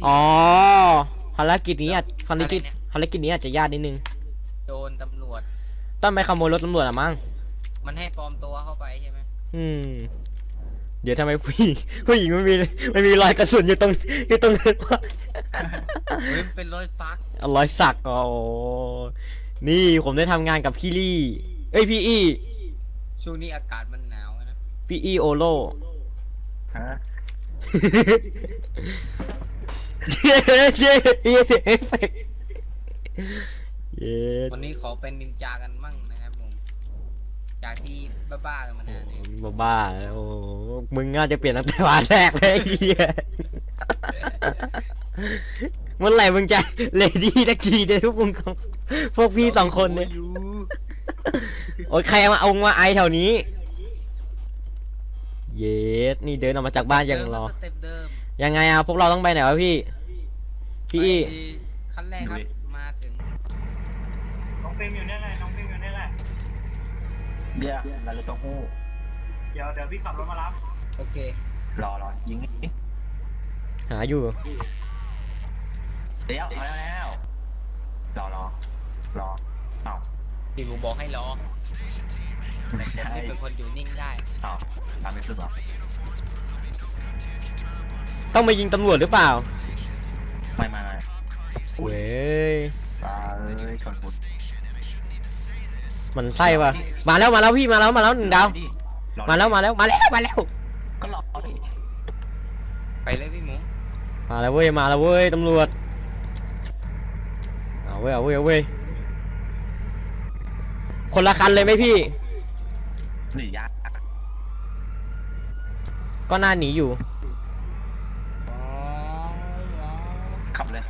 อ๋อภารกิจนี้อาจจะยากนิดนึงโดนตำรวจต้องไปขโมยรถตำรวจอะมั้งมันให้ปลอมตัวเข้าไปใช่ไหมอืมเดี๋ยวทำไมผู้หญิงไม่มีรอยกระสุนอยู่ตรงนั้นวะเฮ้ยเป็นรอยซักรอยสักอ๋อนี่ผมได้ทำงานกับพี่ลี่เอ้ยพี่อีช่วงนี้อากาศมันหนาวนะพี่อีโอโลฮะเย้เย้เย้เอฟเฟกต์เย้วันนี้ขอเป็นนินจากันมั่งนะครับผมจากที่บ้าๆกันมานานเนี่ยบ้าโอ้มึงน่าจะเปลี่ยนตั้งแต่วันแรกเลยเฮียเมื่อไหร่มึงจะเลดี้ตะกี้เดี๋ยวพวกพี่สองคนเนี่ยโอ้ยใครเอาไอแถวนี้เย้นี่เดินออกมาจากบ้านยังรอยังไงพวกเราต้องไปไหนวะพี่ขั้นแรกครับมาถึงน้องฟิล์มอยู่นี่แหละน้องฟิล์มอยู่นี่แหละเดี๋ยวเราจะต้องหู้เดี๋ยวพี่ขับรถมารับโอเครอยิงนี่หาอยู่เดี๋ยวมาแล้วรอเอ้าที่กูบอกให้รอแต่ผมที่เป็นคนอยู่นิ่งได้เอ้าตามไม่ขึ้นหรอต้องไปยิงตำรวจหรือเปล่าไม่เว้ยตายชนบุญมันไส้ว่ะมาแล้วพี่มาแล้ว1 ดาวมาแล้วก็รอไปเลยพี่หมูมาแล้วเว้ยตำรวจเอาเว้ยคนละคันเลยไหมพี่หนียากก็น่าหนีอยู่ขับเลย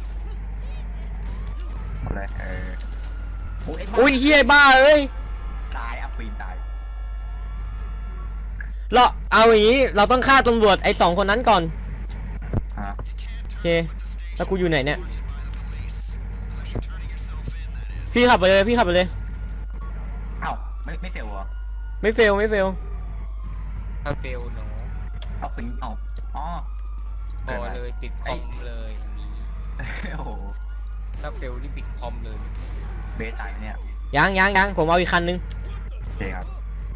อุ้ยเฮียบ้าเอ้ยตายปีนตายเราเอาอย่างนี้เราต้องฆ่าตำรวจไอ้2 คนนั้นก่อนโอเคแล้วกูอยู่ไหนเนี่ยพี่ขับไปเลยเอ้าไม่เฟลวะไม่เฟลถ้าเฟลหนูเอาฟิงเอาอ๋อพอเลยปิดคอมเลยอย่างนี้โอ้โหถ้าเฟลนี่ปิดคอมเลยเบสตายเนี่ยยังผมเอาอีกคันนึงโอเคครับ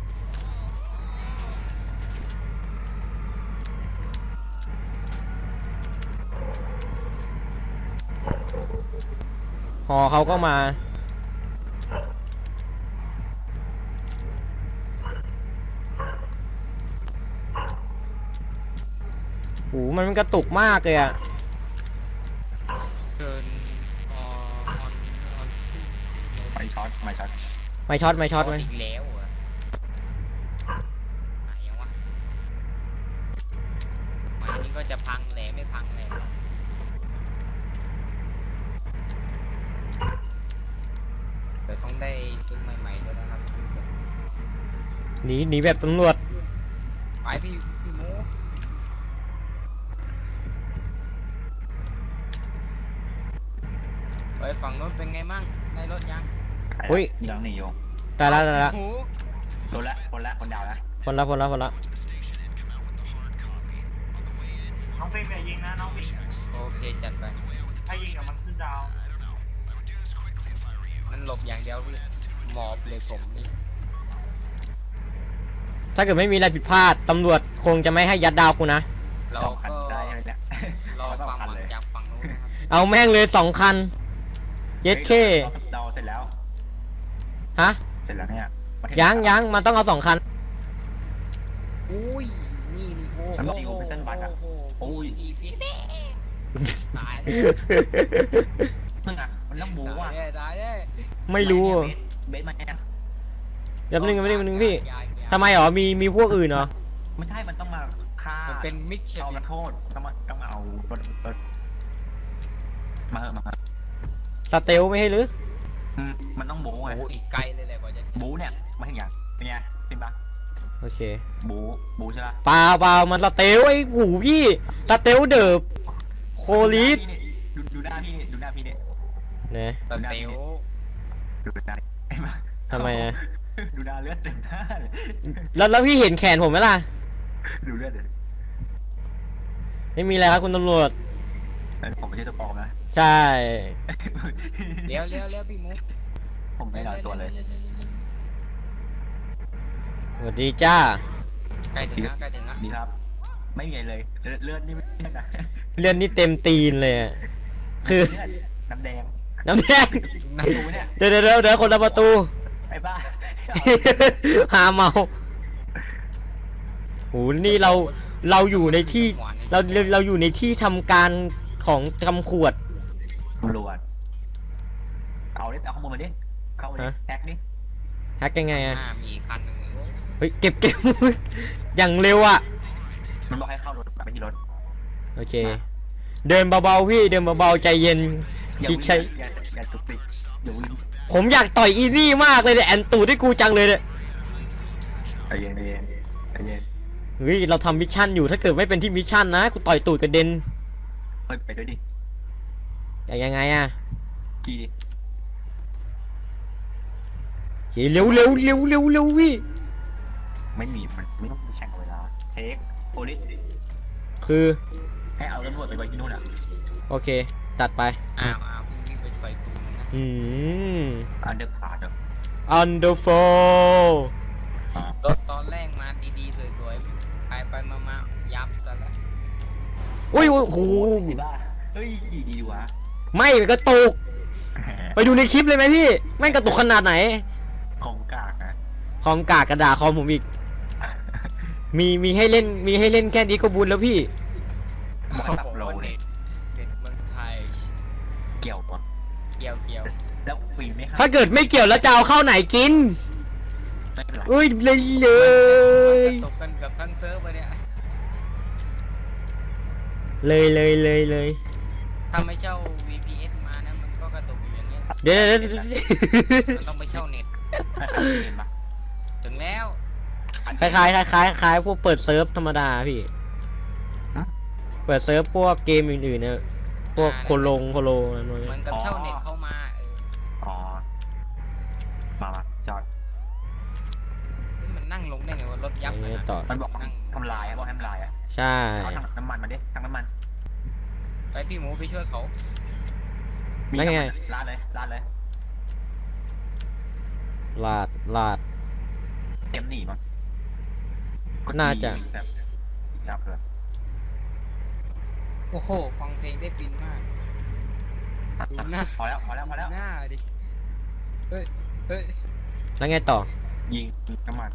หอเขาก็มาโอ้มันกระตุกมากเลยอะเกินไม่ช็อตไหมอีกแล้วอ่ะไหนยังวะมานี่ก็จะพังแหลไม่พังแหลเดี๋ยวต้องได้ซื้อใหม่ๆด้วยนะครับหนีแบบตำรวจไปพี่หมูไปฝั่งรถเป็นไงมั่งได้รถยังอุ้ยยังหนีอยู่ได้ละคนดาวแล้วคนละน้องฟิล์มอย่ายิงนะน้องฟิล์มโอเคจัดไปถ้ายิงกับมันขึ้นดาวมันหลบอย่างเดียวพี่หมอบเลยผมนี่ถ้าเกิดไม่มีอะไรผิดพลาดตำรวจคงจะไม่ให้ยัดดาวกูนะเราก็รอความหวังจากฝั่งนู้นนะครับเอาแม่งเลย2 คันเย็ดเคดาวเสร็จแล้วฮะเสร็จแล้วเนี่ยยังมันต้องเอา2 คันอุ้ยนี่โอ้มันตีโอเปอเรชั่นบัตรอ่ะโอ้ยตายมึงอ่ะมันต้องบูว่ะไม่รู้เบสมาเนี่ยเดี๋ยวนึงพี่ทำไมมีพวกอื่นเหรอไม่ใช่มันต้องมาฆ่ามันเป็นมิกซ์เอาโทษต้องมาเอารถมาสเตลไม่ให้หรือมันต้องบูไงโอ้อีกไกลเลยแหละกว่าจะบูเนี่ยมาถึงอย่างเป็นไงเป็นปะโอเคบูใช่ปะเปล่ามันสเตลไอ้หูพี่สเตลเดิบโคลิสดูหน้าพี่เนี่ยเนี่ยสเตลดูหน้าทำไมดูหน้าเลือดเต็มหน้าแล้วพี่เห็นแขนผมไหมล่ะดูเลือดเลยไม่มีอะไรครับคุณตำรวจผมไม่ใช่ตัวปลอมนะใช่เลี้ยวพี่มุกผมไม่ได้ตัวเลยสวัสดีจ้าใกล้ถึงแล้วดีครับ ไม่มีอะไรเลยเลือดนี่ไม่นะเลื่อนนี่เต็มตีนเลยอะคือเลือดน้ำแดงน้ำแดงประตูเนี่ยเดี๋ยวคนละประตูไอ้บ้าหาเมาโหนี่เราอยู่ในที่เราอยู่ในที่ทำการของกำขวดตำรวจเอาข้อมูลมาดิเข้ามาดิฮะแท็กดิแฮกยังไงอะมีอีกคันหนึ่งเฮ้ยเก็บ อย่างเร็วอะมันบอกให้เข้ารถไปที่รถโอเค เดินเบาๆพี่เดินเบาๆใจเย็นอย่าที่วิ่งใช้อย่าตุกติกอย่าวิ่งผมอยากต่อยอีนี่มากเลยเนี่ยแอนตูดให้กูจังเลยเนี่ยใจเย็นใจเย็นใจเย็นเฮ้ยเราทำมิชชั่นอยู่ถ้าเกิดไม่เป็นที่มิชชั่นนะกูต่อยตูดกระเด็นเฮ้ยไปด้วยดิแต่ยังไงอะกี่ดิเฮ้ยเร็วพี่ไม่มีมันไม่ต้องแข่งเวลาเทคโพลิสคือให้เอาตำรวจไปไว้ที่นู่นอ่ะโอเคตัดไปอ้าวพี่ไปใส่ตุ้มนะอืมอันเดอร์ขาดอ่ะ Underfall รถตอนแรกมาดีๆสวยๆไปมายับซะแล้วอุ้ยโอ้โหดีบ้าเฮ้ยกี่ดีวะไม่มันกระตุกไปดูในคลิปเลยไหมพี่แม่งกระตุกขนาดไหนของกากนะคอมกากกระดาษคอมผมอีกมีให้เล่นแค่นี้ก็บุญแล้วพี่บอกให้ปรับโลเลยเด็ดเมืองไทยเกี่ยววะเกี่ยวแล้วฟรีไหมครับถ้าเกิดไม่เกี่ยวแล้วจะเอาเข้าไหนกินไม่เป็นไรอุ้ยเลยตกกันกับทั้งเซิร์ฟเลยเนี่ยเลยถ้าไม่เช่า VPS มานะมันก็กระตุกอยู่อย่างเงี้ยเดี๋ยวมันต้องไปเช่าเน็ตเห็นปะถึงแล้วคล้ายพวกเปิดเซิร์ฟธรรมดาพี่ เปิดเซิร์ฟพวกเกมอื่นๆนะพวกโคโลนั่นเหมือนกับเช่าเน็ตเข้ามาอ๋อมาจอดมันนั่งลงได้ไงว่ารถยับขนาดต่อมันบอกทำลายบอกให้ทำลายอ่ะใช่เอาถังน้ำมันมาดิถังน้ำมันไปพี่หมูไปช่วยเขาแล้วไงลาดเลยลาดเต็มหนีมั้งน่าจะแบบจับเลยโอ้โหฟังเพลงได้ฟินมาก ดูหน้าพอแล้วหน้าดิเฮ้ยแล้วไงต่อยิงน้ำมัน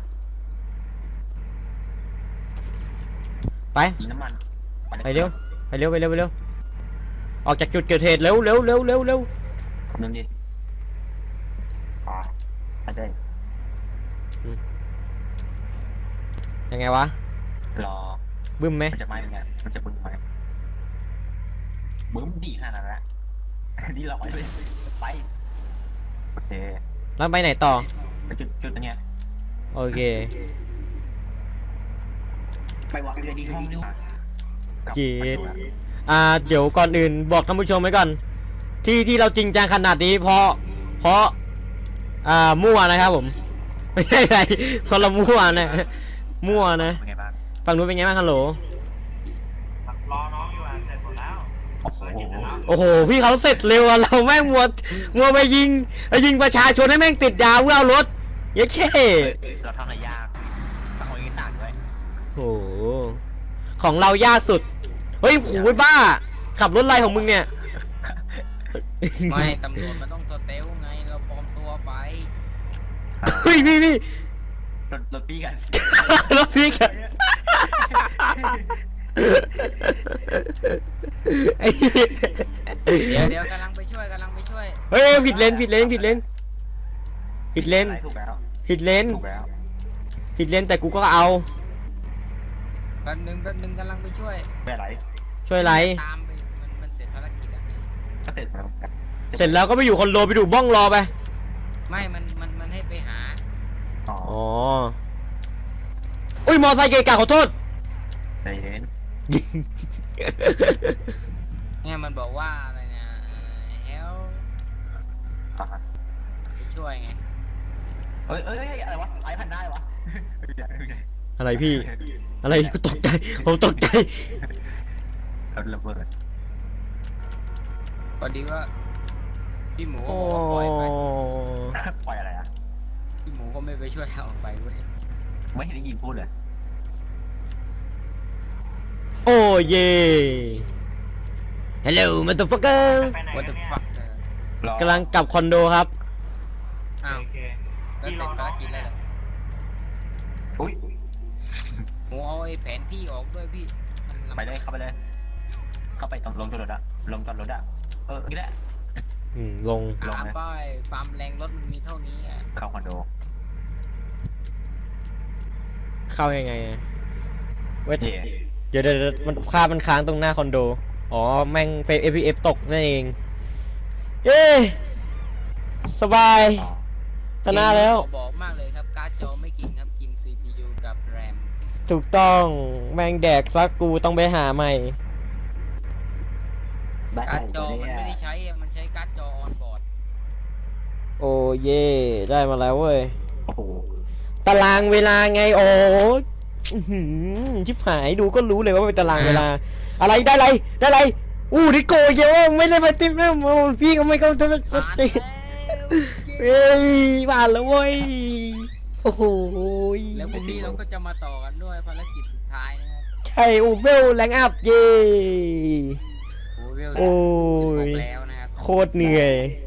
ไปยิงน้ำมันไปเร็วออกจากจุดเกิดเหตุเร็วนึงดิไปได้ยังไงวะรอบึ้มไหมมันจะมาเนี่ยมันจะบึ้มไหมบึ้มดีขนาดนั้นละดีหรอเลยไปโอเคแล้วไปไหนต่อไปจุดตรงเนี้ยโอเคไปวางเรือดีห้องดีกว่าเจ็ด เดี๋ยวก่อนอื่นบอกท่านผู้ชมไว้ก่อน ที่เราจริงจังขนาดนี้เพราะมั่วนะครับผม ไม่ใช่อะไรเพราะเรามั่วนะมั่วนะเป็นไงบ้างฝั่งนู้นเป็นไงบ้างฮัลโหลรอน้องอยู่อ่ะเสร็จหมดแล้วโอ้โหโอ้โหพี่เขาเสร็จเร็วอะเราแม่งมัวไปยิงประชาชนให้แม่งติดยาเพื่อเอารถเย้แค่เราทำอะไรยากต้องเอาอีกต่างด้วยโอ้โหของเรายากสุดเฮ้ยโหบ้า ขับรถอะไรของมึงเนี่ยไม่ตำรวจมันต้องสเตลไงเราปลอมตัวไปเฮ้ยพี่รถปีกันรถพี่กันไอ้เหี้ยเดี๋ยวกำลังไปช่วยเฮ้ยผิดเลนถูกแล้วถูกแล้วแต่กูก็เอาแป๊บนึงกำลังไปช่วยไม่อะไรช่วยไรตามไปมันเสร็จภารกิจแล้วไงก็เสร็จแล้วเสร็จแล้วก็ไปอยู่คอนโดไปดูบ้องรอไปไม่มันให้ไปหาอ๋ออ๋ออุ้ยมอไซค์เกะกะขอโทษใจเย็นเนี่ยมันบอกว่าอะไรเนี่ยเฮลไปช่วยไงเอ้ยอะไรวะไอ้พันได้วะอะไรพี่ อะไรกูตกใจผมตกใจรถระเบิดอดีว่าพี่หมูก็โอ้บอกว่าปล่อยไปปล่อยอะไรอ่ะพี่หมูก็ไม่ไปช่วยเอาไปเว้ยไม่เห็นได้ยินพูดเลยโอ้เย่ Hello motherfucker ไปไหนว่ากัจะนเนี่ยฟักรอกำลังกลับคอนโดครับอ้าวโอเคแล้วเสร็จภารกิจแล้วเหรออุ้ยหมูเอาไอ้แผนที่ออกด้วยพี่มันไปเลยเข้าไปเลย เข้าไปตรงลงจอดรถอะลงจอดรถอะนี่แหละลงลงตามนะป้ายฟาร์มแรงรถมันมีเท่านี้อ่ะเข้าคอนโดเข้ายังไงอะเว้ยเย่เดี๋ยวมันภาพมันค้างตรงหน้าคอนโด อ๋อ แม่งเฟรม FPS ตกนั่นเอง เย้สบายอ๋อชนะแล้วขอบอกมากเลยครับการ์ดจอไม่กินครับกิน CPU กับแรมถูกต้องแม่งแดกซักกูต้องไปหาใหม่ได้การ์ดจอมันเนี่ยไม่ได้ใช้อะมันใช้การ์ดจอออนบอร์ดโอ้เย่ได้มาแล้วเว้ยโอ้โหตารางเวลาไงโอ้อื้อหือชิบหายดูก็รู้เลยว่าเป็นตารางเวลา อะไรได้อะไรได้อะไรดิโก้เยอะไม่ได้ไปติ๊บนะโอ้พี่ก็ไม่เข้าใจผ่านเฮ้ยผ่านแล้วเว้ยโอ้โหแล้วพรุ่งนี้เราก็จะมาต่อกันด้วยภารกิจสุดท้ายนะครับใช่อูเวลแรงอัพเย่โอ้เวลโอ้ย 16แล้วนะครับโคตรเหนื่อยไ